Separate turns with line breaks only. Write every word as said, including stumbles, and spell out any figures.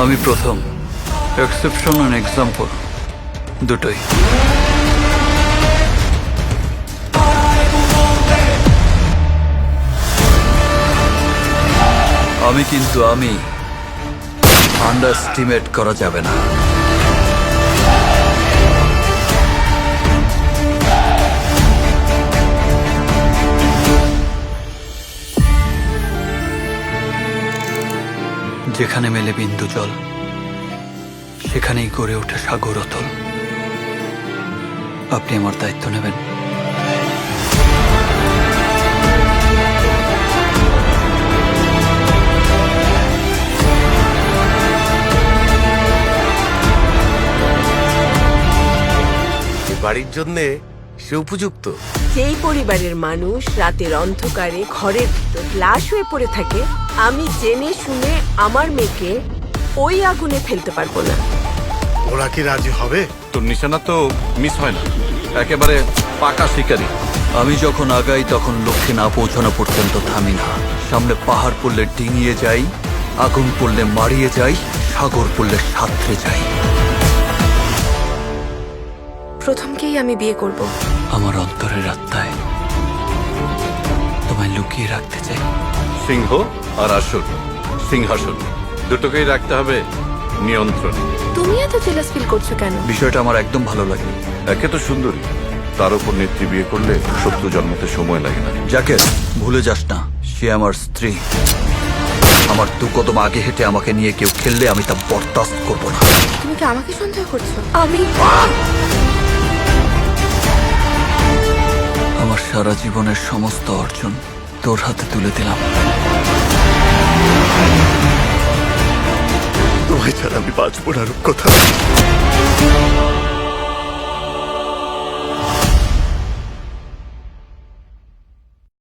আমি প্রথম, exception and example দুটোই। আমি কিন্তু আমি আন্ডারস্টিমেট করা যাবে না। যেখানে মেলে বিন্দু জল, সেখানেই গড়ে ওঠে সাগর অতল। আপনি আমার দায়িত্ব নেবেন?
বাড়ির জন্য সে উপযুক্ত।
যেই পরিবারের মানুষ রাতের অন্ধকারে ঘরের ভিতর লাশ হয়ে পড়ে থাকে, আমি জেনে শুনে আমার মেয়েকে ওই আগুনে ফেলতে পারবো না।
ওরা কি রাজি হবে?
তোর নিশানা তো মিস হয় না, একেবারে পাকা শিকারি।
আমি যখন আগাই তখন লক্ষ্যে না পৌঁছানো পর্যন্ত থামি না। সামনে পাহাড় পড়লে ডিঙিয়ে যাই, আগুন পড়লে মারিয়ে যাই, সাগর পড়লে সাঁতরে যাই।
প্রথমকেই আমি বিয়ে করব।
আমার অন্তরের আত্মায় তোমায় লুকিয়ে রাখতে চাই।
সিংহ আর আসন, সিংহাসন দুটোকেই রাখতে হবে নিয়ন্ত্রণে।
তুমি এত জেলাস ফিল করছো কেন?
বিষয়টা আমার একদম ভালো লাগে।
একে তো সুন্দরী, তার উপর নেত্রী বিয়ে করলে শত্রু জন্মতে সময় লাগে না।
যাকে ভুলে যাস না, সে আমার স্ত্রী। আমার দু কদম আগে হেঁটে আমাকে নিয়ে কেউ খেললে আমি তা বরদাস্ত করবো না।
তুমি কি আমাকে সন্দেহ করছো? আমি
আমার সারা জীবনের সমস্ত অর্জন তোর হাতে তুলে দিলাম।
তোমায় ছাড়া আমি বাঁচবো না রূপকথা।